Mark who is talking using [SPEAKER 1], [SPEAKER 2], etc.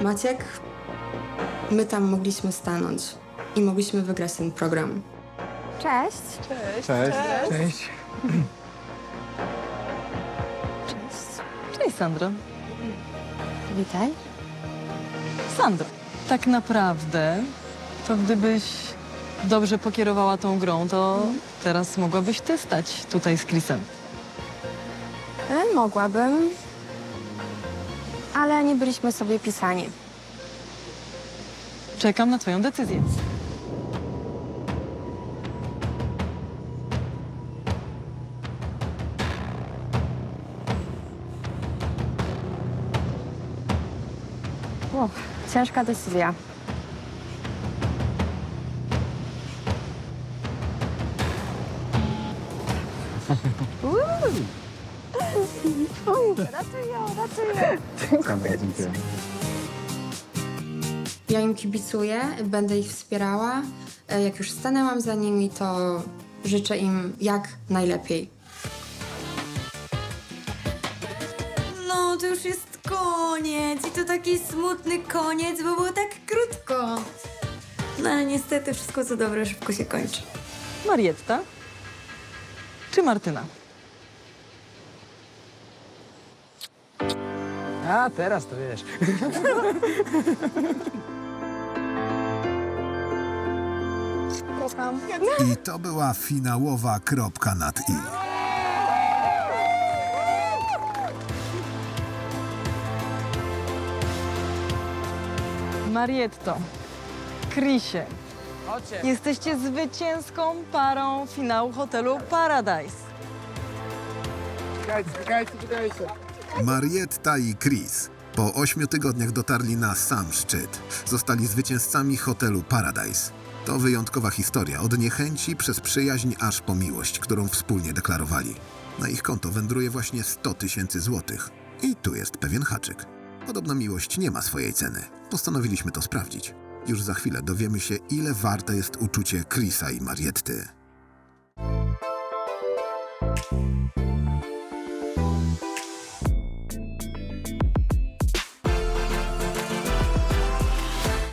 [SPEAKER 1] Maciek, my tam mogliśmy stanąć i mogliśmy wygrać ten program.
[SPEAKER 2] Cześć.
[SPEAKER 3] Cześć. Cześć.
[SPEAKER 4] Cześć, Sandro.
[SPEAKER 2] Witaj.
[SPEAKER 4] Sandro, tak naprawdę, to gdybyś dobrze pokierowała tą grą, to teraz mogłabyś ty stać tutaj z Chrisem.
[SPEAKER 2] Mogłabym, ale nie byliśmy sobie pisani.
[SPEAKER 4] Czekam na twoją decyzję.
[SPEAKER 2] Ciężka decyzja. Ratuję.
[SPEAKER 3] Dziękuję.
[SPEAKER 1] Ja im kibicuję, będę ich wspierała. Jak już stanęłam za nimi, to życzę im jak najlepiej.
[SPEAKER 5] No, to już jest koniec i to taki smutny koniec, bo było tak krótko. No ale niestety wszystko co dobre szybko się kończy.
[SPEAKER 4] Marietta czy Martyna?
[SPEAKER 3] A, teraz to wiesz.
[SPEAKER 6] I to była finałowa kropka nad i.
[SPEAKER 4] Marietto, Chrisie, jesteście zwycięską parą finału hotelu Paradise.
[SPEAKER 3] Czekajcie.
[SPEAKER 6] Marietta i Chris po 8 tygodniach dotarli na sam szczyt. Zostali zwycięzcami hotelu Paradise. To wyjątkowa historia, od niechęci przez przyjaźń aż po miłość, którą wspólnie deklarowali. Na ich konto wędruje właśnie 100 000 złotych. I tu jest pewien haczyk. Podobno miłość nie ma swojej ceny. Postanowiliśmy to sprawdzić. Już za chwilę dowiemy się, ile warte jest uczucie Chrisa i Marietty.